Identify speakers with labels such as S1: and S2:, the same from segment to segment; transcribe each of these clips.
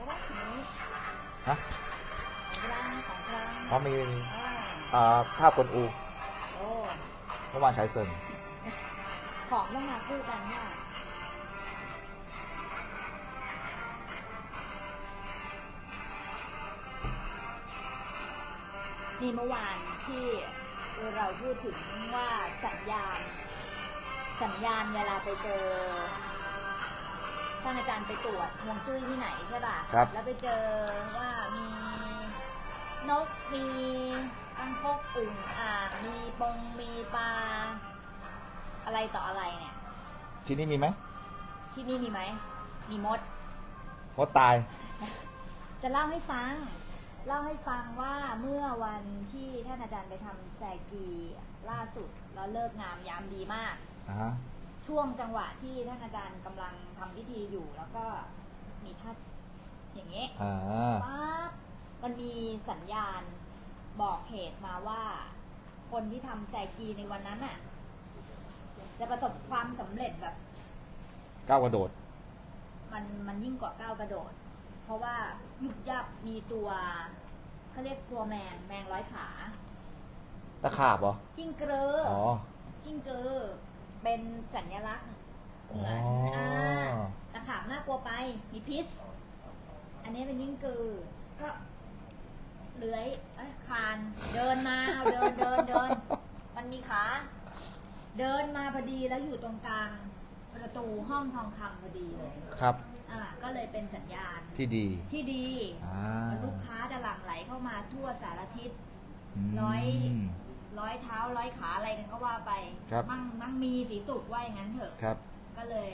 S1: ว่านี้
S2: ฮะ
S1: ของกลางของกลาง
S2: เขามี ภาพกวนอู
S1: โอ้
S2: เมื่อวานฉายเซิง
S1: ของต้องมาคู่กันเนี่ยนี่เมื่อวานที่เราพูดถึงว่าสัญญาณเวลาไปเจอท่านอาจารย์ไปตรวจฮวงจุ้ยที่ไหนใช่ป่ะ
S2: ครับ
S1: แล้วไปเจอว่ามีนกมีอังคกอึ่งอ่างมีปงมีปลาอะไรต่ออะไรเนี่ย
S2: ที่นี่มีไหม
S1: ที่นี่มีไหม มีมด
S2: มดตาย
S1: จะเล่าให้ฟังว่าเมื่อวันที่ท่านอาจารย์ไปทำแซกีล่าสุดแล้วเลิกงามยามดีมาก ช่วงจังหวะที่ท่านอาจารย์กำลังทำพิธีอยู่ แล้วก็มีท่าอย่างเงี้ยปั๊บมันมีสัญญาณบอกเหตุมาว่า คนที่ทำแซกีในวันนั้นน่ะ จะประสบความสำเร็จแบบ
S2: ก้าวกระโดด
S1: มันยิ่งกว่าก้าวกระโดด เพราะว่ายุบยับมีตัวเขาเรียกตัวแมงร้อยขา
S2: ตะขาบเหรอ
S1: กิ้งเกลือ
S2: อ๋อ
S1: กิ้งเกลือเป็นสัญลักษณ์เหมือนตะขาบน่ากลัวไปมีพิษ อันนี้เป็นกิ้งเกลือก็เลื้อยคานเดินมาเอาเดินมันมีขาเดินมาพอดีแล้วอยู่ตรงกลางประตูห้องทองคำพอดีเลย
S2: ครับ
S1: ก็เลยเป็นสัญญาณ
S2: ที่ดี
S1: ลูกค้าจะหลั่งไหลเข้ามาทั่วสารทิศร้อยเท้าร้อยขาอะไรกันก็ว่าไปมั่งมีสีสุกว่าอย่างนั้นเถอะก็เลย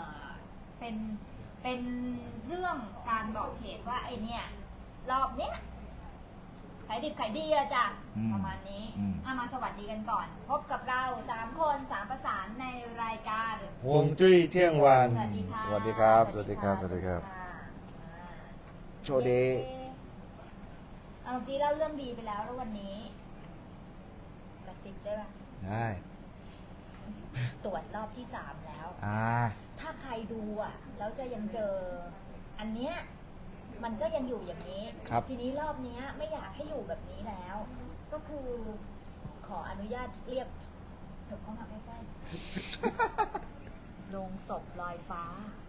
S1: เป็นเรื่องการบอกเหตุว่าไอเนี่ยรอบเนี้ยขายดิบขายดีละจ้ะประมาณนี้มาสวัสดีกันก่อน พบกับเรา3 คน3 ประสานในรายการ
S2: ฮวงจุ้ยเที่ยงวัน
S1: สวัสดีค่ะ
S2: สวัสดีครับ สวัสดีครับ สวัสดีครับ โชว์เดย์
S1: เมื่อกี้เล่าเรื่องดีไปแล้ววันนี้กระซิบได้ป่ะ
S2: ได้
S1: ตรวจรอบที่3แล้วถ้าใครดูแล้วจะยังเจออันเนี้ยมันก็ยังอยู่อย่างนี้ทีนี้รอบนี้ไม่อยากให้อยู่แบบนี้แล้ว ก็คือขออนุญาตเรียกเถอะเข้ามาใกล้ๆโรงศพลอยฟ้า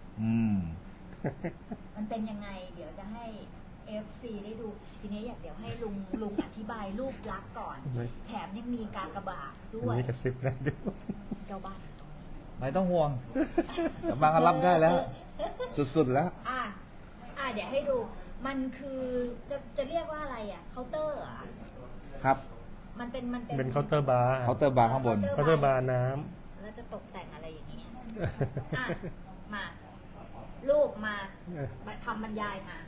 S1: มันเป็นยังไงเดี๋ยวจะให้ FC ได้ดูทีนี้เดี๋ยวให้ลุงอธิบายรูปลักษณ์ก่อนแถมยังมีกากบาทด้วย
S3: มีกระซิบได้ด้วย
S1: เจ้าบ้านตรงนี้
S2: ไม่ต้องห่วงบางรับได้แล้ว สุดๆแล้ว
S1: เดี๋ยวให้ดูมันคือจะเรียกว่าอะไรเคาน์เตอร์
S2: ครับ
S1: มัน
S3: เป็นเคาน์เตอร์บาร์
S2: ข้างบน
S3: เคาน์เตอร์บาร์น้
S1: ำแล้วจะตกแต่งอะไรอย่างเงี้ยมารูปมาคำบรรยายมา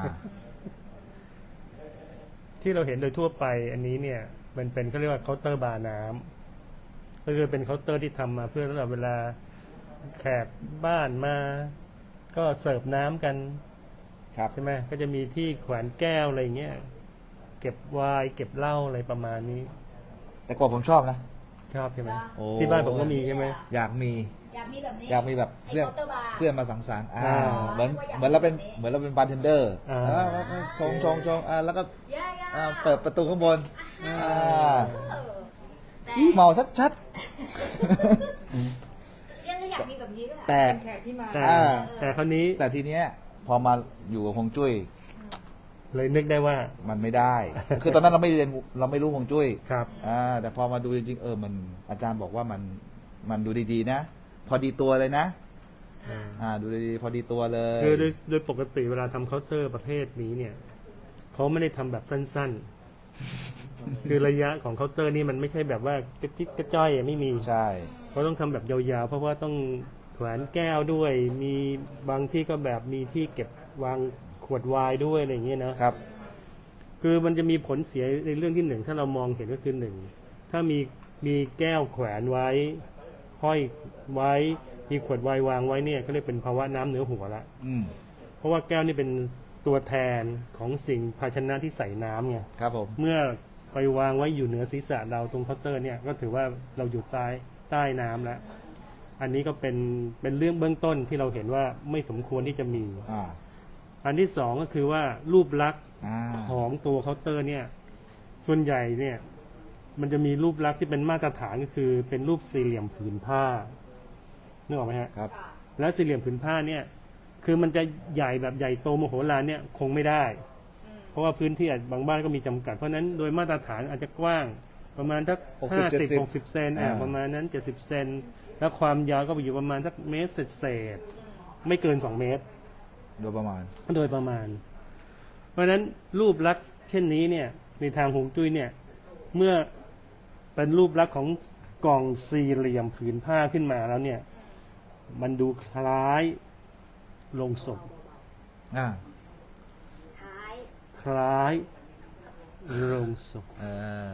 S3: ที่เราเห็นโดยทั่วไปอันนี้เนี่ยมันเป็นเขาเรียกว่าเคาน์เตอร์บาร์น้ำก็คือเป็นเคาน์เตอร์ที่ทำมาเพื่อสำหรับเวลาแขกบ้านมาก็เสิร์ฟน้ำกันใช่ไหมก็จะมีที่แขวนแก้วอะไรเงี้ยเก็บไวน์เก็บเหล้าอะไรประมาณนี้
S2: แต่ก่อนผมชอบนะ
S3: ชอบใช่ไหมที่บ้านผมก็มีใช่ไหม
S2: อยากมี
S1: แบบนี้
S2: แบบเพื่อนมาสังสรรค์เหมือนเราเป็นบาร์เทนเดอร์ชงแล้วก็เปิดประตูข้างบนที่เมาชัด
S1: อยากมีแบบนี้ด้วย
S3: แต่คราวนี้
S2: แต่ทีเนี้ยพอมาอยู่กับฮวงจุ้ย
S3: เลยนึกได้ว่า
S2: มันไม่ได้ คือตอนนั้นเราไม่เรียนเราไม่รู้ฮวงจุ้ย
S3: ครับ
S2: แต่พอมาดูจริงๆมันอาจารย์บอกว่ามันดูดีๆนะพอดีตัวเลยนะดูดีๆพอดีตัวเลย
S3: คือโดยปกติเวลาทำเคาน์เตอร์ประเภทนี้เนี่ยเขาไม่ได้ทำแบบสั้นๆคือระยะของเคาน์เตอร์นี่มันไม่ใช่แบบว่ากระจิ๊กกระจ้อยไม่มี
S2: ใช่
S3: เขาต้องทำแบบยาวๆเพราะว่าต้องแขวนแก้วด้วยมีบางที่ก็แบบมีที่เก็บวางขวดไวน์ด้วยอะไรอย่างเงี้ยนะครับคือมันจะมีผลเสียในเรื่องที่1ถ้าเรามองเห็นก็คือ1ถ้ามีแก้วแขวนไว้ห้อยไว้มีขวดไวน์วางไว้เนี่ยเขาเรียกเป็นภาวะน้ำเหนือหัวละเพราะว่าแก้วนี่เป็นตัวแทนของสิ่งภาชนะที่ใส่น้ำไง
S2: ครับผม
S3: เมื่อไปวางไว้อยู่เหนือศีรษะเราตรงเคาน์เตอร์เนี่ยก็ถือว่าเราอยู่ใต้น้ำแล้วอันนี้ก็เป็นเรื่องเบื้องต้นที่เราเห็นว่าไม่สมควรที่จะมีอันที่สองก็คือว่ารูปลักษณ์
S2: อ่า
S3: ของตัวเคาน์เตอร์เนี่ยส่วนใหญ่เนี่ยมันจะมีรูปลักษณ์ที่เป็นมาตรฐานก็คือเป็นรูปสี่เหลี่ยมผืนผ้านึกออกไหมฮะ
S2: ครับ
S3: แล้วสี่เหลี่ยมผืนผ้าเนี่ยคือมันจะใหญ่แบบใหญ่โตมโหฬารเนี่ยคงไม่ได้ เพราะว่าพื้นที่บางบ้านก็มีจำกัดเพราะฉะนั้นโดยมาตรฐานอาจจะกว้างประมาณสัก 50-60 เซนประมาณนั้น70 เซนแล้วความยาวก็ไปอยู่ประมาณสักเมตรเศษไม่เกิน2 เมตร
S2: โดยประมาณ
S3: โดยประมาณ เพราะฉะนั้นรูปลักษณ์เช่นนี้เนี่ยในทางฮวงจุ้ยเนี่ยเมื่อเป็นรูปลักษณ์ของกล่องสี่เหลี่ยมผืนผ้าขึ้นมาแล้วเนี่ยมันดูคล้ายโลงศพ
S2: อ่า
S1: ท้าย
S3: คล้ายโลงศพ
S2: อ่า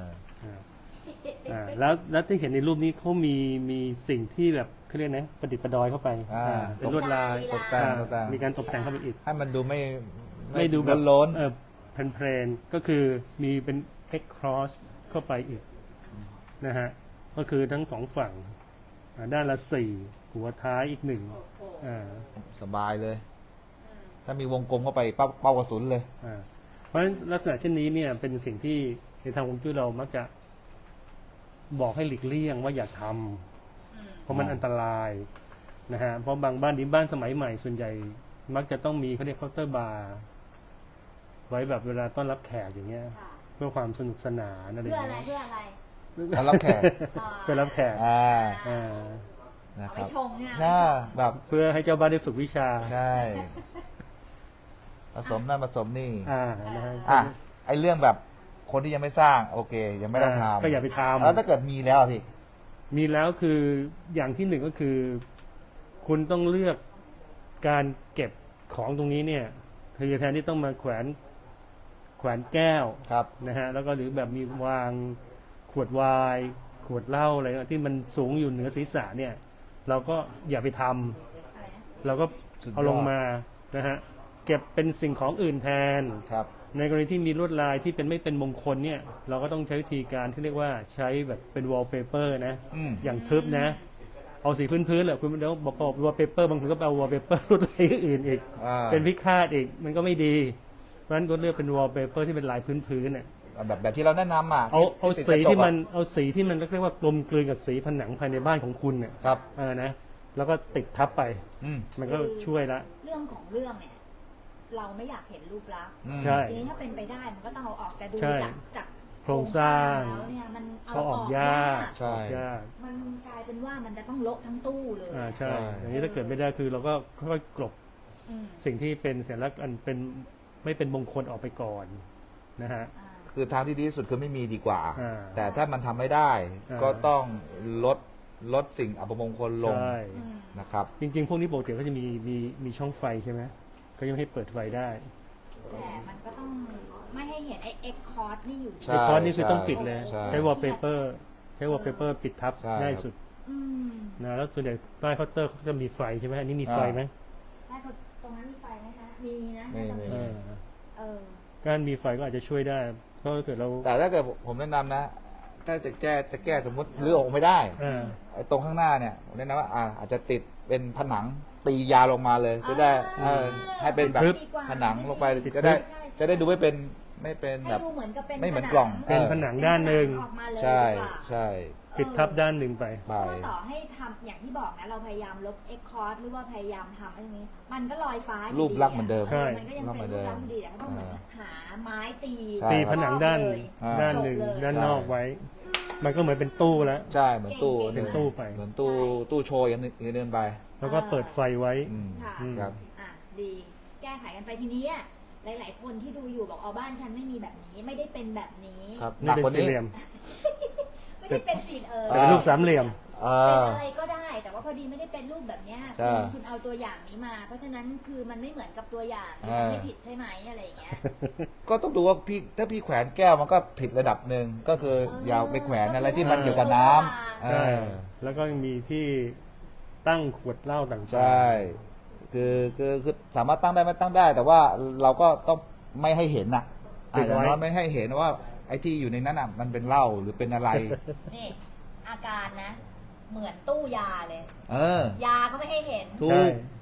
S3: แล้วที่เห็นในรูปนี้เขามีสิ่งที่แบบเขาเรียกนะประดิษฐ์ประดอยเข้าไปเป็นลวดลาย
S2: ตกแต่งตกแต่ง
S3: มีการตกแต่งเข้าไปอีก
S2: ให้มันดู
S3: ไม่ดูแบบ
S2: ล้น
S3: เพลนๆก็คือมีเป็น X cross เข้าไปอีกนะฮะก็คือทั้งสองฝั่งด้านละ4หัวท้ายอีก1
S2: สบายเลย ถ้ามีวงกลมเข้าไปเป้ากระสุนเลย
S3: เพราะฉะนั้นลักษณะเช่นนี้เนี่ยเป็นสิ่งที่ในทางฮวงจุ้ยเรามักจะบอกให้หลีกเลี่ยงว่าอย่าทำเพราะมันอันตรายนะฮะเพราะบางบ้านบ้านสมัยใหม่ส่วนใหญ่มักจะต้องมีเขาเรียกเคาน์เตอร์บาร์ไว้แบบเวลาต้อนรับแขกอย่างเงี้ย
S1: ค่ะ
S3: เพื่อความสนุกสนานอะไรอ
S1: เพื่อย่าง อะไร
S3: เงี้ย
S1: เพื่ออะไร
S2: ต้อนรับแขก
S3: เพื่อรับแขก
S2: อ่า
S3: อ่า
S2: นะ
S1: เอา
S2: ค
S1: ไป
S2: รับ
S1: ชงเนี่ย
S2: น่าแบบ
S3: เพื่อให้เจ้าบ้านได้ฝึกวิชา
S2: ใช่ผสมนั่นผสมนี่
S3: นะฮะ
S2: อ่ะไอเรื่องแบบคนที่ยังไม่สร้าง โอเค ยังไม่ต้องทำ
S3: ก็อย่าไปทำ
S2: แล้วถ้าเกิดมีแล้วอะพี่
S3: มีแล้วคืออย่างที่หนึ่งก็คือ คุณต้องเลือกการเก็บของตรงนี้เนี่ยคือแทนที่ต้องมาแขวนแก้ว
S2: ครับ
S3: นะฮะแล้วก็หรือแบบมีวางขวดไวน์ขวดเหล้าอะไรที่มันสูงอยู่เหนือศีรษะเนี่ย เราก็อย่าไปทำเราก็
S2: สุดยอด
S3: เอาลงมานะฮะเก็บเป็นสิ่งของอื่นแทน
S2: ครับ
S3: ในกรณีที่มีลวดลายที่เป็นไม่เป็นมงคลเนี่ย เราก็ต้องใช้วิธีการที่เรียกว่าใช้แบบเป็นวอลเปเปอร์นะ
S2: อืม
S3: อย่างทึบนะ เอาสีพื้นๆแหละคุณเดี๋ยวบอกวอลเปเปอร์บางคนก็เอาวอลเปเปอร์ลวดลายอื่นอีก เป็นพิฆาตอีกมันก็ไม่ดี เพราะฉะนั้นก็เลือกเป็นวอลเปเปอร์ที่เป็นลายพื้นๆเนี่ย
S2: แบบที่เราแนะนำอ่ะ
S3: เอา
S2: ติด
S3: สี
S2: กระจก
S3: ที่
S2: อะ
S3: มันเอาสีที่มันเรียกว่ากลมกลืนกับสีผนังภายในบ้านของคุณเนี่ย
S2: ครับ
S3: นะแล้วก็ติดทับไป
S2: อืม
S3: มันก็ช่วยละ
S1: เรื่องของเรื่องเนี่ย เราไม่อยากเห็นรูปลักษณ์
S2: อืม
S3: ใช่
S1: ทีนี้ถ้าเป็นไปได้มันก็ต้องเอาออกแต่ดู
S3: ใช่
S1: จาก
S3: โครงสร้าง
S1: แล้วเนี่ยมันเอา
S3: เขา
S1: อ
S3: อ
S1: อ
S3: อก
S1: ก
S3: ยาก
S2: ใช่
S3: ออกยาก
S1: มันกลายเป็นว่ามันจะต้องโละทั้งตู้เลย
S3: ใช่
S2: ใช่
S3: อย่างนี้ถ้าเกิดไม่ได้คือเราก็ค่อยๆกลบ
S1: อืม
S3: สิ่งที่เป็นสัญลักษณ์อันเป็นไม่เป็นมงคลออกไปก่อนนะฮะ
S1: อ่า
S2: คือทางที่ดีที่สุดคือไม่มีดีกว่า
S3: อ่า
S2: แต่ถ้ามันทำไม่ได้
S3: อ่า
S2: ก็ต้องลดสิ่งอัปมงคลลง
S3: ใช่
S1: อืม
S2: นะครับ
S3: จริงๆ พวกนี้ปกติก็จะมีช่องไฟใช่ไหมก็ยังไม่ให้เปิดไฟได้
S1: แต่มันก็ต้องไม่ให้เห็นไอ้เอ็กคอร์ดนี่อยู่
S2: ใช่
S3: ไอ้คอนนี่คือต้องปิดเลย
S2: ใช่
S3: ใช้วอลเปเปอร์ปิดทับ
S2: ใช่
S3: ง่ายสุด
S1: อืม
S3: นะแล้วส่วนใหญ่ใต้เคาน์เตอร์เขาจะมีไฟใช่ไหมอันนี้มีไฟไหม
S1: ได้คนตรงนั้นมีไฟไหมคะ มีนะ
S2: มี
S1: น่าจะ
S2: มี
S3: เออ
S1: เออ
S3: การมีไฟก็อาจจะช่วยได้ เพราะถ้าเกิดเรา
S2: แต่ถ้าเกิดผมแนะนำนะ ถ้าจะแก้สมมติรื้อออกไม่ได้
S3: อ่า
S2: ไอ้ตรงข้างหน้าเนี่ยผมแนะนำว่าอาจจะติดเป็นผนังตียาวลงมาเลย จะได้ให้เป็นแบบ
S3: ทึบ
S2: ผนังลงไป
S3: ติด
S2: จะได้ดูไม่เป็นแบ
S1: ให้
S2: บ
S1: ดูเหมือนกับเป็น
S2: ไม่เหมือนกล่อง
S3: เป็นผนังด้านหนึ่ง
S1: ออกมาเลย
S2: ใช่
S1: ดีกว่า
S2: ใช่
S3: ปิดทับด้านหนึ่งไป
S1: เพราะว่าต่อให้ทำอย่างที่บอกนะ เราพยายามลบเอ็กคอร์ดหรือว่าพยายามทำไอ้ตรงนี้ มันก็ลอยฟ้าอยู่
S2: รูปลักษณ์เหมือนเดิม
S3: ใช่
S1: มันก็ยังเป็นรูปลักษณ์ดีแต่ก็ต้องเหมือนหาไม้ตี
S2: ใช่
S3: ตีผนังด้าน
S1: เลย
S3: ด้านหนึ่ง
S1: จบเลย
S3: ด้านนอกไว้ มันก็เหมือนเป็นตู้แล้ว
S2: ใช่เหมือนตู้
S3: เป็นตู้ไป
S2: เหมือนตู้โชว์อย่างนึงไป
S3: แล้วก็เปิดไฟไว้
S2: อืม
S1: ค่ะ
S3: อืม
S2: ครับ
S1: อ่ะดีแก้ไขกันไปทีนี้อะหลาย ๆ คนที่ดูอยู่บอกอ๋อบ้านฉันไม่มีแบบนี้ไม่ได้เป็นแบบนี้
S2: ครับห
S3: นี่
S2: นัก
S3: เป็น
S2: กว่า
S3: สี่
S2: นี้
S3: เหลี่ยม
S1: ไม่ได้เป็นสี
S3: แต่เป็น
S2: อ่า
S3: รูปสามเหลี่ยม
S2: เอ
S1: เป็น
S2: อ
S1: อะไรก็ได้ แต่ว่าพอดีไม่ได้เป็นรูปแบบเนี้ย
S2: ใช่
S1: คุณเอาตัวอย่างนี้มา เพราะฉะนั้นคือมันไม่เหมือนกับตัวอย่าง
S2: อ่า
S1: ไม่ผิดใช่ไหมอะไรอย่างเงี้ย
S2: ก็ต้องดูว่าถ้าพี่แขวนแก้วมันก็ผิดระดับหนึ่งก็คืออย่าไปแขวนอะไรที่มันเกี่ยวกับน้ำเอ
S3: ใช่
S2: อ
S3: แล้วก็ยังมีที่ตั้งขวดเหล้าต่างๆ
S2: ใช่คือสามารถตั้งได้ไม่ตั้งได้ แต่ว่าเราก็ต้องไม่ให้เห็นน่ะอย่างน้อยไม่ให้เห็นว่าไอ้ที่อยู่ในนั้นอ่ะมันเป็นเหล้าหรือเป็นอะไร
S1: นี่ อาการนะ เหมือนตู้ยาเลย
S2: เออ
S1: ยาก็ไม่ให้เห็น
S2: ถู
S3: ใช่
S2: ก
S1: เหล้าก็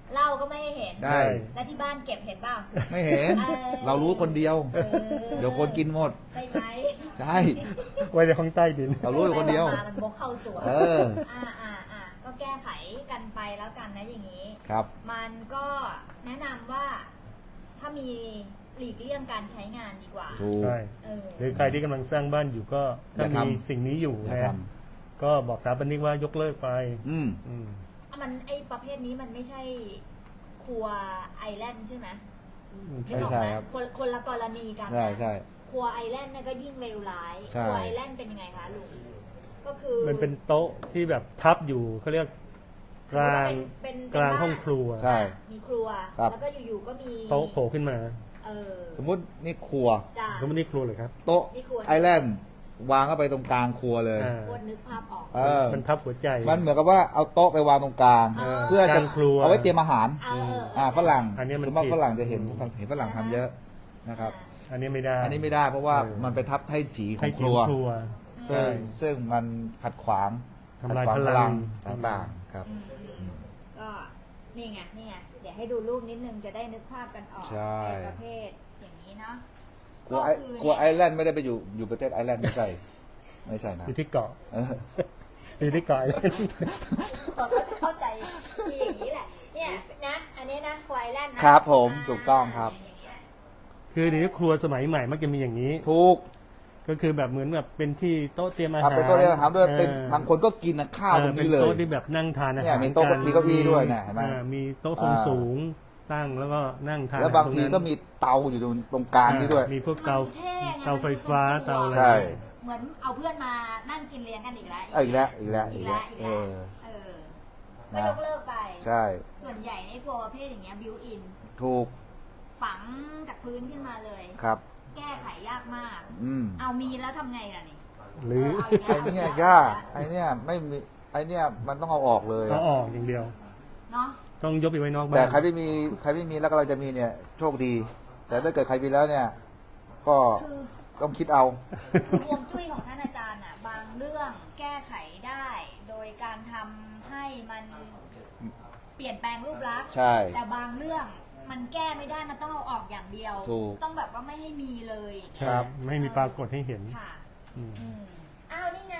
S1: ก็ไม่ให้เห็น
S2: ใช่
S1: และที่บ้านเก็บเห็นเปล่า
S2: ไม่เห็น เรารู้คนเดียว เดี๋ยวคนกินหมด
S1: ใช่ไหม
S2: ใช่
S3: ไว้ในห้องใต้ดิน
S2: เรารู้อยู่คนเดียว
S1: มันบกเข้าตัว
S2: เออ
S1: ก็แก้ไขกันไปแล้วกันนะอย่างนี้
S2: ครับ
S1: มันก็แนะนำว่าถ้ามีหลีกเลี่ยงการใช้งานดีกว่า
S2: ถูก
S3: ใช่
S1: เออ
S3: หรือใครที่กำลังสร้างบ้านอยู่ก็ถ้า
S2: อย่าทำ
S3: มีสิ่งนี้อยู่
S2: อย่า
S3: นะ
S2: ท
S3: ก็บอกสถาปนิกว่ายกเลิกไป
S2: อืม
S3: อืม
S1: มันไอประเภทนี้มันไม่ใช่ครัวไอแลนด์ใช่ไหม
S2: ไม่ใช่ครับ
S1: คนละกรณีกันนะ
S2: ใช่ใช่
S1: ครัวไอแลนด์เนี่ยก็ยิ่งเลวร้าย
S2: ใช่
S1: ครัวไอแลนด์เป็นยังไงคะลุงก็คือ
S3: มันเป็นโต๊ะที่แบบทับอยู่เขาเรียกกลาง
S1: เป็น
S3: กลางห้องครัว
S2: ใช่
S1: มีครัว
S2: ครับ
S1: แล้วก็อยู่ๆก็มี
S3: โต๊ะโผล่ขึ้นมา
S1: เออ
S2: สมมุตินี่ครัว
S1: จ้า
S3: แล้วไม่ได้ครัวเลยครับ
S2: โต๊ะ
S1: นี่ครัว
S2: ไอแลนด์วางเข้าไปตรงกลางครัวเลย
S3: อ่า
S1: คนนึกภาพออก
S2: เออ
S3: มันทับหัวใจ
S2: มันเหมือนกับว่าเอาโต๊ะไปวางตรงกลาง
S1: เออ
S2: เพื่อจะ
S3: กลางครัว
S2: เอาไว้เตรียมอาหาร ฝรั่ง
S3: อันนี้มัน
S2: ส่วนมาก
S3: ผิด
S2: ฝรั่งจะเห็นฝรั่งทำเยอะนะครับ
S3: อันนี้ไม่ได้
S2: อันนี้ไม่ได้เพราะว่า
S3: เออ
S2: มันไปทับไถ่จีขอ
S3: ให้
S2: งค
S3: จิ๋
S2: รั
S3: ว
S2: ว
S3: ครัว
S2: ซึ่งมันขัดขวาง
S3: ทำลาย
S2: ขัดขวง
S3: พลัง
S2: ต่างๆครับ
S1: ก็นี่ไงเดี๋ยวให้ดูรูปนิดนึงจะได้นึกภาพกันออก
S2: ใช่
S1: ในประเภทอย่างนี้เนาะ
S2: กลัวไอ
S1: คื
S2: กลัวไอแลนด์ไม่ได้ไปอยู่ประเทศไอแลนด์ไม่ใช่ไม่ใช่นะ
S3: อยู่ที่เกาะ
S2: เออ
S3: อยู่ที่เกาะ
S1: เราก็จะเข้าใจที่อย่างนี้แหละเนี่ยนะอันนี้นะควายแลนด์นะครับ
S2: ผมถูกต้องครับ
S1: อย่างเงี้ย
S3: คือเดี๋ยวนี้ครัวสมัยใหม่มักจะมีอย่างนี้
S2: ถูก
S3: ก็คือแบบเหมือนแบบเป็นที่โต๊ะเตรียมอา
S2: เอา
S3: หาร
S2: เป็นโต๊ะเรียนอาหารด้วยเป็น
S3: ออบ
S2: างคนก็กินข้าวตรงนี้เลย
S3: เป็นโต๊ะที่แบบนั่งทานอา
S2: เนี่
S3: หาร
S2: ยมีโต๊ะ
S3: กัน
S2: มีเก้าอี้ด้วยเนี่ยเห็นไหม
S3: มีโต๊ะทรงสูงตั้งแล้วก็นั่งทาน
S2: แล้วบางที
S3: รนั้น
S2: ก็มีเตาอยู่ตรงกลางนี่ด้วย
S3: มีพวกเตา
S1: มันท่ไง
S3: เตาไฟฟ้าเตาอะไร
S2: ใช่
S1: เหมือนเอาเพื่อนมานั่งกินเลี้ยงกันอีกแล้ว
S2: อีกแล้วอีกแล้ว
S1: อี
S2: อี
S1: ก
S2: ก
S1: แล้
S2: แล้ว ว
S1: อีก
S2: เอ
S1: แล้ว
S2: อ
S1: ก็ยกเลิกไป
S2: ใช่
S1: ส่วนใหญ่ในครัวประเภทอย่างเงี้ยบิวอิน
S2: ถูก
S1: ฝังจากพื้นขึ้นมาเลย
S2: ครับ
S1: แก้ไขยากมาก
S2: อืม
S1: เอามีแล้วทำไงล่ะนี่
S3: หรือ
S1: เอาอีก
S2: ไอ
S1: แล้ว
S2: เนี่ยยากไอเนี่ยไม่มีไอเนี่ยมันต้องเอาออกเลย
S3: เอา
S2: อะ
S3: ออกอย่างเดียว
S1: เนาะ
S3: ต้องยกไปไว้นอกบ้าน
S2: แต่ใครไม่มีแล้วก็เราจะมีเนี่ยโชคดี แต่ถ้าเกิดใครมีแล้วเนี่ย ก็
S1: คือ
S2: ต้องคิดเอา
S1: คือฮวงจุ้ยของท่านอาจารย์อ่ะ บางเรื่องแก้ไขได้ โดยการทำให้มันเปลี่ยนแปลงรูปลักษณ์
S2: ใช่
S1: แต่บางเรื่องมันแก้ไม่ได้มันต้องเอาออกอย่างเดียว
S2: ถูก
S1: ต้องแบบว่าไม่ให้มีเลย
S2: ครับ
S3: ไม่มีปรากฏให้เห็น
S1: ค่ะ
S3: อืม
S1: อืมอ้าวนี่ไง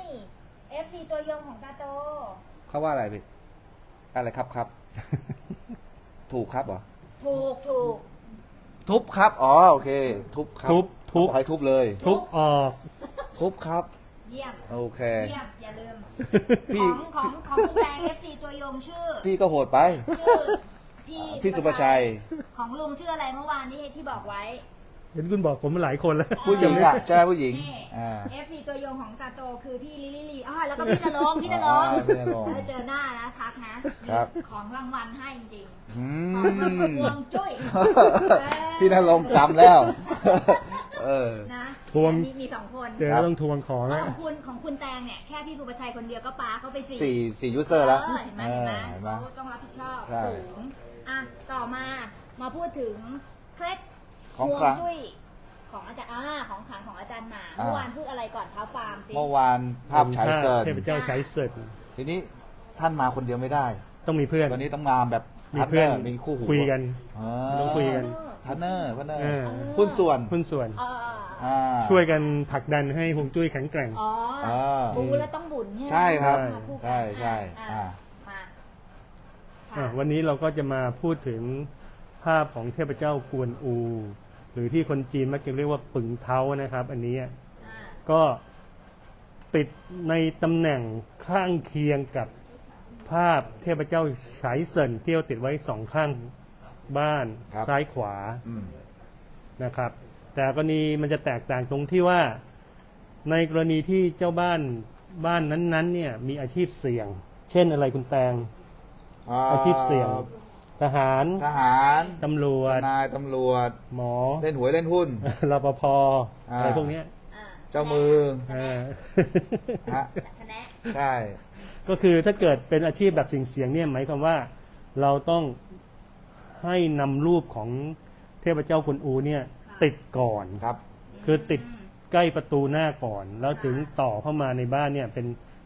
S1: FC ตัวยงของตาโต
S2: เขาว่าอะไรพี่อะไรครับครับ ถูกครับเหรอ
S1: ถูก
S2: ทุบครับอ๋อโอเค ทุบครับ
S3: ทุบ
S2: บอกให้ทุบเลย
S3: ทุบออก
S2: ทุบครับ
S1: เยี่ยม
S2: โอเค
S1: เยี่ยม อย่าลืม
S2: พี่
S1: ของคุณแตง FC ตัวยงชื่อ
S2: พี่ก็โหดไป
S1: ชื่อ
S2: พี่สุภชัย
S1: ของลุงชื่ออะไรเมื่อวานที่บอกไว้
S3: เห็นคุณบอกผมมาหลายคนแล้ว
S2: ผู้หญิงอ่ะใช่ผู้หญิง
S1: นี่
S2: อ่า
S1: FC ตัวยงของตาโตคือพี่ลิลิลีอ๋อแล้วก็พี่นรงค์พี่นรงค์
S2: พี่ณรงค์
S1: ถ้าเจอหน้านะทักนะครับ มีของรางวัลให้จริง
S2: อื
S1: ๆของรางวัล
S2: ม
S1: ฮวงจุ้ย
S2: พี่นรงค์จำแล้ว เออ
S1: นะ
S3: ทวง
S1: มีสองคน
S3: เดี๋ยวต้องทวงของ
S1: แล้
S3: แล้ว ว
S1: ของคุณแตงเนี่ยแค่พี่สุภชัยคนเดียวก็ปาเขาไปสี่
S2: สี่ยูเซอร์แล้ว
S1: เห็นไหม
S2: เห็นไหม
S1: เขาต้องรับผิดชอบ
S2: ใช่
S1: สูงอ่ะต่อมาพูดถึงเคล็ด
S2: ของ
S1: ฮว
S2: ครั้ง
S1: จุ้ยของอาจารย์ของขลังของอาจารย์หมา
S2: อ่า
S1: เมื่อวานพูดอะไรก่อนเท้าฟาร์มสิ
S2: เมื่อวานภาพฉายเซิร์น
S3: เทพเจ้าฉายเสิร์น
S2: ทีนี้ท่านมาคนเดียวไม่ได้
S3: ต้องมีเพื่อน
S2: วันนี้ต้องมาแบบ
S3: มี
S2: พาร์ท
S3: เพื่
S2: เน
S3: อ
S2: อน ร์มีคู่หู
S3: คุยกัน
S2: อ่า
S3: ต้องคุยกัน
S2: พาร์ทเนอร์
S3: เออ
S2: หุ้นส่วน
S3: หุ้นส่วน
S1: เออ
S2: อ่า
S3: ช่วยกันผลักดันให้ฮวงจุ้ยแข็งแกร่ง
S1: อ๋อ
S2: อ่า
S1: บูแล้วต้องบุญ
S2: ใช่ครับ
S1: มาคู่กัน
S2: ใช่ใช่
S1: อ่ะ
S2: อ่า
S1: มาค่ะ
S3: วันนี้เราก็จะมาพูดถึงภาพของเทพเจ้ากวนอู หรือที่คนจีนมักจะเรียกว่าปึงเท้านะครับ อันนี้
S1: อ่ะ
S3: ก็ติดในตำแหน่งข้างเคียงกับภาพเทพเจ้าฉายเซินที่เราติดไว้สองข้างบ้าน
S2: ครับ
S3: ซ้ายขวา
S2: อืม
S3: นะครับ แต่กรณีมันจะแตกต่างตรงที่ว่า ในกรณีที่เจ้าบ้านนั้นๆเนี่ยมีอาชีพเสี่ยง เช่นอะไรคุณแตง อาชีพเสี่ยง ทหาร
S2: ทหาร
S3: ตำรว
S2: ท
S3: จ
S2: นายตำรวจ
S3: หมอ
S2: เล่นหวยเล่นหุ้น
S3: รปภ
S2: อ่า
S3: อะไรพวกเนี้ย
S1: อ่ะ
S2: เจ้ามือ
S3: เออ
S2: ฮะ
S1: คะแนน
S2: ใช่
S3: ก็คือถ้าเกิดเป็นอาชีพแบบเสี่ยงๆเนี่ยหมายความว่าเราต้องให้นำรูปของเทพเจ้ากวนอูเนี่ยติดก่อน
S2: ครับ
S3: คือติดใกล้ประตูหน้าก่อน แล้วถึงต่อเข้ามาในบ้านเนี่ยเป็น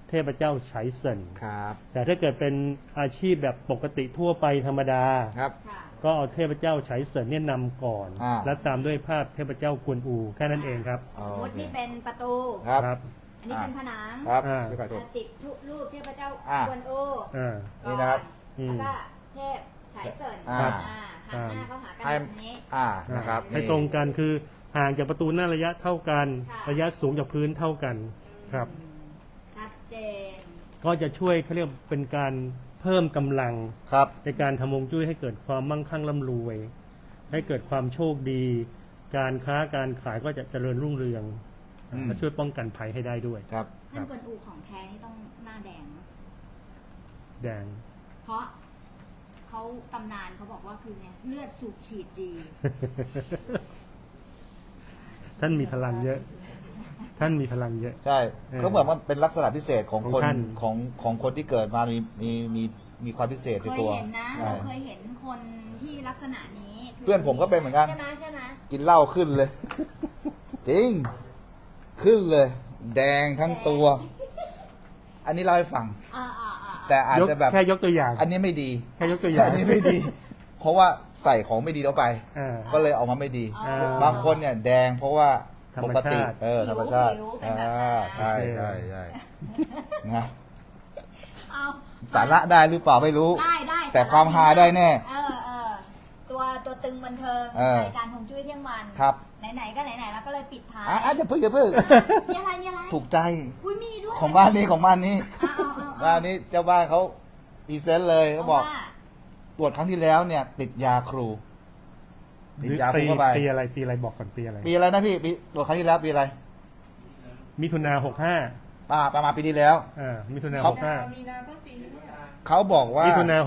S3: เทพเจ้าไฉเซิน
S2: ครับ
S3: แต่ถ้าเกิดเป็นอาชีพแบบปกติทั่วไปธรรมดา
S2: ครับ
S1: ค่ะ
S3: ก็เอาเทพเจ้าไฉเซินเนี่ยนำก่อน แล้วตามด้วยภาพเทพเจ้ากวนอูแค่นั้นเองครับ
S2: โอ
S1: สมมติ
S2: เค
S1: นี่เป็นประตู
S2: ครับ
S1: อันนี้เป็นผนัง
S2: ครับ
S3: อ่า
S2: พี่ขอโทษ
S1: ติดรูปเทพเจ้า
S2: อ่า
S1: กวนอู
S3: อ่า
S1: ก่อ
S2: นี่นะครับ
S1: แล้วก็เทพไฉเซิน
S2: อ่า
S1: หันหน้าเข้าหากัน
S2: ให้
S1: แบบนี้
S2: นะครับ
S3: ให้ตรงกันคือห่างจากประตูหน้าระยะเท่ากัน
S1: ค่ะ
S3: ระยะสูงจากพื้นเท่ากันครับ
S1: ชัดเจน
S3: ก็จะช่วยเขาเรียกเป็นการเพิ่มกำลัง
S2: ครับ
S3: ในการทำฮวงจุ้ยให้เกิดความมั่งคั่งร่ำรวย ให้เกิดความโชคดี การค้าการขายก็จะเจริญรุ่งเรือง
S2: อืม
S3: และช่วยป้องกันภัยให้ได้ด้วย
S2: ครับ
S1: ท่านกวนอูของแท้นี่ต้องหน้าแดงนะ
S3: แดง
S1: เพราะเขาตำนานเขาบอกว่าคือไงเลือดสูบฉีดดี
S3: ท่านมีพลังเยอะ ท่านมีพลังเยอะ
S2: ใช่ ก็เหมือนว่าเป็นลักษณะพิเศษของ
S3: ของ
S2: คน
S3: ท่าน
S2: ของคนที่เกิดมามีความพิเศษ
S1: เค
S2: ใน
S1: ย
S2: ตัว
S1: เห็นนะ
S2: ใช่
S1: เราเคยเห็นคนที่ลักษณะนี้คื
S2: เพื่อนผมก็เป็นเหมือนกัน
S1: ใช่ไหมใช่ไหม
S2: กินเหล้าขึ้นเลย จริง ขึ้นเลย แดงทั้งตัว อันนี้เล่าให้ฟัง
S1: อ่า
S2: แต่อาจ
S3: ยก
S2: จะแบบ
S3: แค่ยกตัวอย่าง
S2: อันนี้ไม่ดี
S3: แค่ยกตัวอย่าง
S2: อันนี้ไม่ดี เพราะว่าใส่ของไม่ดีเข้าไป
S3: อ่า
S2: ก็เลยออกมาไม่ดี
S3: อ่า
S2: บางคนเนี่ยแดงเพราะว่า
S3: ธร
S2: ป
S3: รม
S2: ก
S3: ชาติ
S2: ติธรรมชาติ
S1: หิวเป็นแบบ
S2: ใช่
S1: นั้น
S2: ใช่ใช่นะ
S1: เอา
S2: สาระได้หรือเปล่าไม่รู้
S1: ได้
S2: แต่ความฮาได้แน่
S1: ตัวตึงบันเทิง
S2: เออ
S1: รายการฮวงจุ้ยเที่ยงวัน
S2: ครับ
S1: ไหนๆก็ไหนๆแล้วก็เลยปิดท้าย
S2: อย่าเพิ่งอย่าเพิ่ง
S1: มีอะไรมีอะไร
S2: ถูกใจ
S1: อุ้ยมีด้วย
S2: ของบ้านนี้ของบ้านนี้
S1: เอา
S2: บ้านนี้เจ้าบ้านเขาพรีเซนต์เลยเขาบอก
S1: ว่า
S2: ตรวจครั้งที่แล้วเนี่ย ติดยาครู ติดยาครูเข้าไป
S3: ปีอะไรบอกก่อนปีอะไร
S2: ปีอะไรนะพี่ปีตรวจครั้งที่แล้วปีอะไร
S3: มิถุนา65
S2: ประมาณปีที่แล้ว
S3: มิถุนา
S2: เขา เขาบอกว่า
S3: 65มิถุนา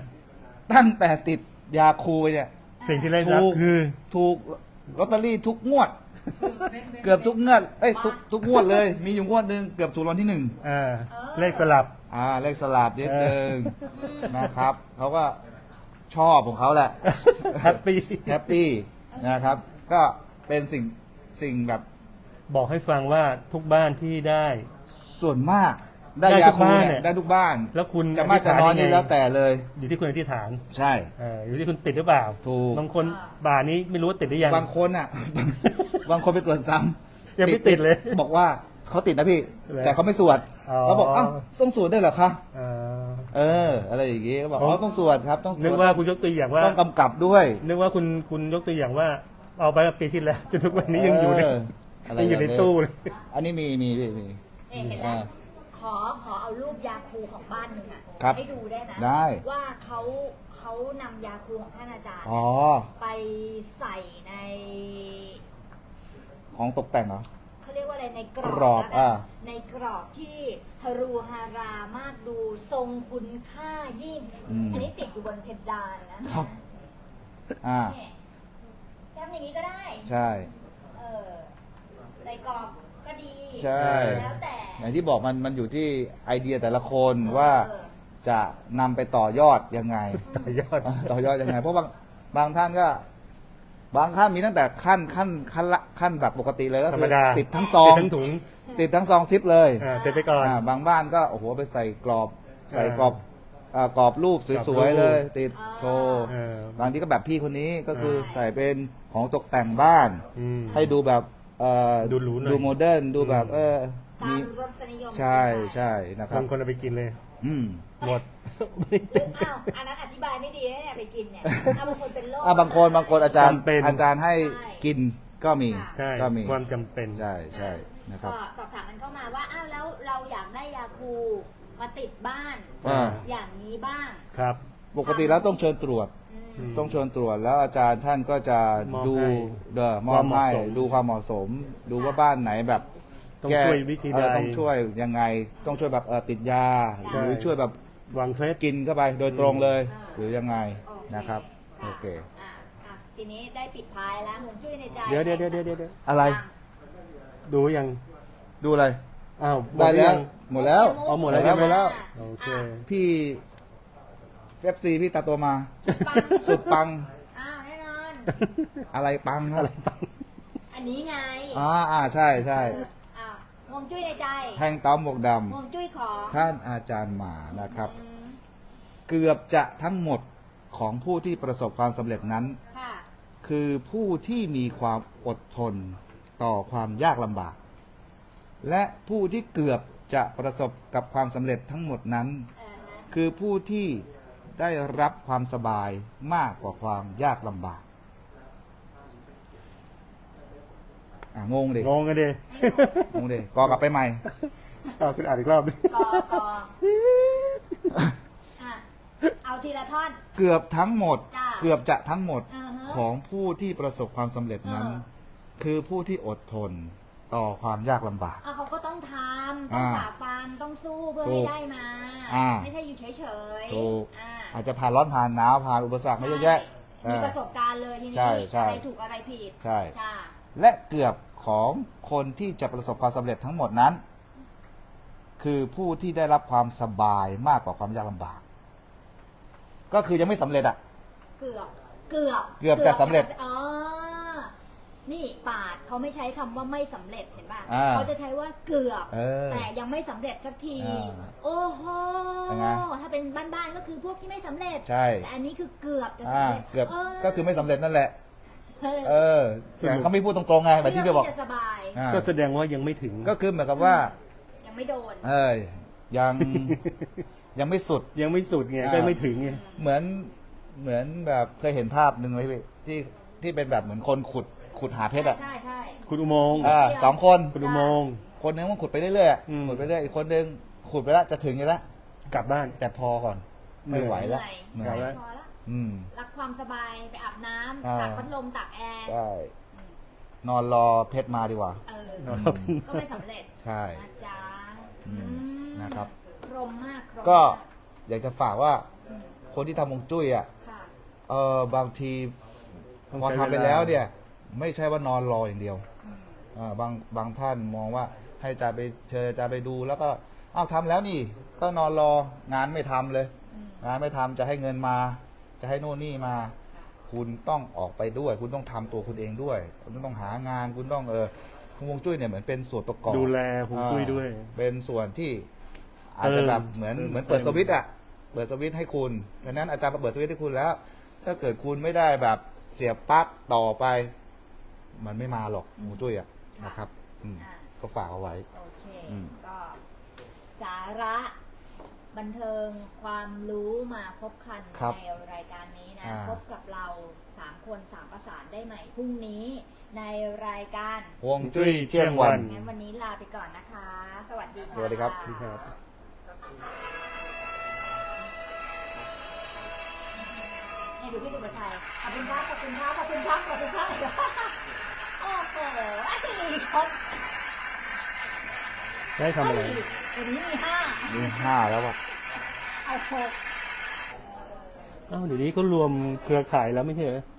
S3: 65
S2: ตั้งแต่ติดยาครูไปเนี่ย
S3: สิ่งที่ได้รับคือ
S2: ถูกลอตเตอรี่ทุกงวด เกือบทุกงวดทุกงวดเลย มีอยู่งวดหนึ่งเกือบถูกรางวัลที่หนึ่ง
S3: เลขสลับ
S2: เลขสลับนิดนึงนะครับเขาก็ชอบของเขาแหละ
S3: แฮปปี้
S2: แฮปปี้นะครับ ก็เป็นสิ่งแบบ
S3: บอกให้ฟังว่าทุกบ้านที่ได้
S2: ส่วนมากได้
S3: ได้
S2: ยา
S3: ทุก
S2: คู
S3: บ้าน
S2: เนี่
S3: เนี่ย ย
S2: ได้ทุกบ้าน
S3: แล้วคุณ
S2: จะมากจะน้อย
S3: อธิษฐานยังไง
S2: นี่แล้วแต่เลย
S3: อยู่ที่คุณอธิษฐาน
S2: ใช่
S3: อยู่ที่คุณติดหรือเปล่า
S2: ถูก
S3: บางคนบ่านี้ไม่รู้ว่าติดหรือยัง
S2: บางคนอ่ะ บางคนไปตรวจซ้ำ
S3: ยังไม่ติดเลย
S2: บอกว่าเขาติดนะพี่
S3: เหรอ
S2: แต่เขาไม่สวด
S3: อ๋อ
S2: เขาบอกอ้าวต้องสวดได้วยเหรอคะ
S3: เอ่อ
S2: อะไรอย่างงี้เขาบอก
S3: ผม
S2: ต้องสวดครับ ต้องสวด
S3: นึกว่าคุณยกตัวอย่างว่า
S2: ต้องกำกับด้วย
S3: นึกว่าคุณยกตัวอย่างว่า เอาไปปีที่แล้วจนทุกวันนี้ยังอยู่ใน
S2: อะไร
S3: ยังอยู่ใน
S2: แบบ
S3: ตู้เลย
S2: อันนี้มี
S1: เห็นแล้วขอเอารูปยาคูของบ้านหนึ่งอ่ะ
S2: ครับ
S1: ให้ดูได้ไหม
S2: ได้
S1: ว่าเขานำยาคูของท่านอาจารย์
S2: อ๋อ
S1: ไปใส่ใน
S2: ของตกแต่งเหรอ
S1: เขาเรียกว่าอะไรในกร
S2: กรอ
S1: อ
S2: บบ อ่า
S1: ในกรอบที่ฮารูฮารามากดูทรงคุณค่ายิ่ง อันนี้ติดอยู่บนเพดานนะครับ เนี่ยทำอย่างนี้ก็ได้
S2: ใช่
S1: เออใส่กรอบก็ดี
S2: ใช่
S1: แล้วแต่
S2: อย่างที่บอกมันอยู่ที่ไอเดียแต่ละคนว่าจะนำไปต่อยอดยังไง
S3: ต่อยอด
S2: ต่อยอดยังไง เพราะบางท่านก็ บางท่านมีตั้งแต่ขั้นแบบปกติเลยก็
S3: ธร
S2: คื
S3: รม
S2: อ
S3: ดา
S2: ติดทั้งซอง
S3: ติดทั้งถุง
S2: ติดทั้งซองซิปเลย
S3: ติดไปก่อน
S2: บางบ้านก็โอ้โหไปใส่กรอบ ใส่กรอบกรอบรูปสวยๆเลย ติดโชว์
S3: เออ
S2: บางทีก็แบบพี่คนนี้ก็คือใส่เป็นของตกแต่งบ้าน
S3: อืม
S2: ให้ดูแบบ
S3: ดูหรูหน่อย
S2: ดูโมเดิร์นดูแบบ
S1: ตา
S2: มี
S1: มรสนิยม
S2: ใช่ใช่นะครับ
S3: บางคนเอาไปกินเลย
S2: อืม
S3: หมด
S1: อ้าวอันนั้นอธิบายไม่ดีนะเนี่ยไปกินเนี่ยบางคนเป็นโรค
S2: บางคนอาจารย์
S3: จำเป็น
S2: อาจารย์ให้กินก็มี
S3: ใช่
S2: ก็มี
S3: ความจำเป็น
S2: ใช่ใช่นะครับ
S1: ก็สอบถามมันเข้ามาว่าอ้าวแล้วเราอยากได้ยาคูมาติดบ้าน อย่างนี้บ้าง
S3: ครับ
S2: ปกติแล้วต้องเชิญตรวจ
S1: อืม
S2: ต้องเชิญตรวจแล้วอาจารย์ท่านก็จะ
S3: มอบ
S2: ดู
S3: ให้
S2: มอบให้
S3: ความเหมาะสม
S2: ดูความเหมาะสม ดูว่าบ้านไหนแบบ
S3: ต้องช่วยวิธีใด
S2: ต้องช่วยยังไง ต้องช่วยแบบติดยา
S1: ใช่
S2: หรือช่วยแบบ
S3: วางเคล็ด
S2: กินเข้าไปโดยตรงเลย
S1: อ่า
S2: หรือยังไง
S1: โอเค
S2: นะครับ
S1: ค่ะ
S2: โอเค
S1: ทีนี้ได้ปิดท้ายแล้วหงจุ้ยในใจ
S3: เดี๋ยว
S2: อะไร
S3: ดูยัง
S2: ดูอะไร
S3: อ้าวหม
S2: ได้
S3: หรือ
S2: แล้ว
S3: ยัง
S2: หมดแล้ว
S3: เอาหมดแล้ว
S2: หมดแล้ว
S3: โอเค
S2: พี่เอฟซีพี่ตาตัวมา
S1: ปัง
S2: สุดปัง
S1: อ้าวแน่นอน
S2: อะไรปังครับ
S1: อันนี้ไง
S2: ใช่ใช่
S1: อ้าวฮวงจุ้ยในใจ
S2: แห่งเต่าหมวกด
S1: ฮวงจุ้ยของ
S2: ำท่านอาจารย์หมานะครับ
S1: อืม
S2: เกือบจะทั้งหมดของผู้ที่ประสบความสำเร็จนั้น
S1: ค่ะ
S2: คือผู้ที่มีความอดทนต่อความยากลำบาก และผู้ที่เกือบจะประสบกับความสำเร็จทั้งหมดนั้น คือผู้ที่ได้รับความสบายมากกว่าความยากลำบากงงดิ
S3: งงกันดิ
S2: งงดิกอกลับไปใหม่
S3: เอาคุณอ่านอีกรอบดิ
S1: กอ่ะเอาทีละท่อน
S2: เกือบทั้งหมด
S1: จ้ะ
S2: เกือบจะทั้งหมด
S1: อือฮะ
S2: ของผู้ที่ประสบความสำเร็จนั้น คือผู้ที่อดทนต่อความยากลำบาก
S1: เขาก็ต้องทำต้องฝ่าฟันต้องสู้เพื่อ
S2: ถู
S1: ให้
S2: ก
S1: ได้มา ไม่ใช่อยู่เฉยๆ
S2: ถูก
S1: อ่า
S2: อาจจะผ่านร้อนผ่านหนาวผ่านอุปสรรคมาเยอะแยะ
S1: ใช่มีประสบการณ์เลยทีนี้
S2: ใช่ใช่
S1: อะไรถูกอะไรผิด
S2: ใช่
S1: ค่ะ
S2: และเกือบของคนที่จะประสบความสำเร็จทั้งหมดนั้น คือผู้ที่ได้รับความสบายมากกว่าความยากลำบาก ก็คือยังไม่สำเร็จอ่ะ
S1: เกือบ
S2: เกือบจะสำเร็จ
S1: อ๋อนี่ปาดเขาไม่ใช้คำว่าไม่สำเร็จเห็นป่ะ
S2: อ่า
S1: เขาจะใช้ว่าเกือบ
S2: อ
S1: แต่ยังไม่สำเร็จสักที
S2: อ่า
S1: โอ้โห
S2: เป็นไง
S1: ถ้าเป็นบ้านๆก็คือพวกที่ไม่สำเร็จ
S2: ใช่
S1: แต่อันนี้คือเกือบจะ
S2: อ่า
S1: สำเร็จ
S2: เกือบก็คือไม่สำเร็จนั่นแหละ
S1: เออ
S2: เออแต่เขาไม่พูดตรงๆไงแบบที่พี่บอก
S1: จะสบาย
S2: อ่า
S3: ก็แสดงว่ายังไม่ถึง
S2: ก็คือเหมือนกับว่า
S1: ยังไม่โดน
S2: ยัง ยังไม่สุด
S3: ยังไม่สุดไง
S2: อ่า
S3: ก็ไม่ถึงไง
S2: เหมือนแบบเคยเห็นภาพหนึ่งไหมพี่ที่เป็นแบบเหมือนคนขุดหาเพชรอ่ะ
S1: ใช่ใช่
S3: คุณอุโมงค์
S2: สองคน
S3: คุณอุโมงค์
S2: คนหนึงมันขุดไปเรื่อยๆอะ
S3: อืม
S2: ขุดไปเรื่อยอีกคนหนึงขุดไปแล้วจะถึงอยู่แล้ว
S3: กลับบ้าน
S2: แต่พอก่อนไม่ไหวแล้ว
S1: เหนื่
S3: ครั
S1: อย
S3: บ
S1: พอละ
S2: อืม
S1: รักความสบายไปอาบน้
S2: อ่า
S1: ำตากพัดลมตากแอร์
S2: ใช่นอนรอเพชรมาดีกว่า
S1: เออ
S3: นอน
S1: ก็ไม่สำเร็จ
S2: ใช่
S1: นะจ๊ะ
S2: อืมนะครับ
S1: ครมมากครม
S2: ก็
S1: มาก
S2: อยากจะฝากว่า
S1: อืม
S2: คนที่ทำฮวงจุ้ยอ่ะ
S1: ค่ะ
S2: บางที
S3: ต้อง
S2: พอ
S3: ใช้
S2: ทำไป
S3: เวลา
S2: แล้วเนี่ย ไม่ใช่ว่านอนรออย่างเดียว
S1: อืม
S2: บางท่านมองว่าให้อาจารย์ไปเชิญอาจารย์ไปดู แล้วก็อ้าวทำแล้วนี่ ก็นอนรองานไม่ทำเลย
S1: อืม
S2: งานไม่ทำจะให้เงินมา จะให้โน่นนี่มา คุณต้องออกไปด้วย คุณต้องทำตัวคุณเองด้วย คุณต้องหางาน คุณต้องฮวงจุ้ยเนี่ยเหมือนเป็นส่วนประกอบ
S3: ดูแลฮวงจุ้ยด้วย
S2: เป็นส่วนที่อาจจะแบบเหมือนเปิดสวิตช์อ่ะเปิดสวิตช์ให้คุณดังนั้นอาจารย์มาเปิดสวิตช์ให้คุณแล้ว ถ้าเกิดคุณไม่ได้แบบเสียบปลั๊กต่อไป มันไม่มาหรอกฮวงจุ้ยอ่ะนะครับก็ฝากเอาไว้
S1: โอเค
S2: อืม
S1: ก็สาระบันเทิงความรู้มาพบคัน
S2: ครับ
S1: ในรายการนี้นะ
S2: อ่า
S1: พบกับเรา3คน3ประสานได้ใหม่พรุ่งนี้ในรายการ
S2: ฮวงจุ้ยเที่ยงวัน
S1: งั้นวันนี้ลาไปก่อนนะคะ สวัสดีค่ะ
S2: สวัสดีครับ
S3: ครับ
S1: ให้ดูพี่สุภชัยขอบคุณครับขอบคุณครับขอบคุณครับขอบคุณครับโอ้โหไอ้คน
S3: ได้ทำอะไร
S1: วันนี้มี5
S2: มี5แล้วอ่ะ
S1: เอา6
S3: อ้าวเดี๋ยวนี้เขารวมเครือข่ายแล้วไม่ใช่เหรอ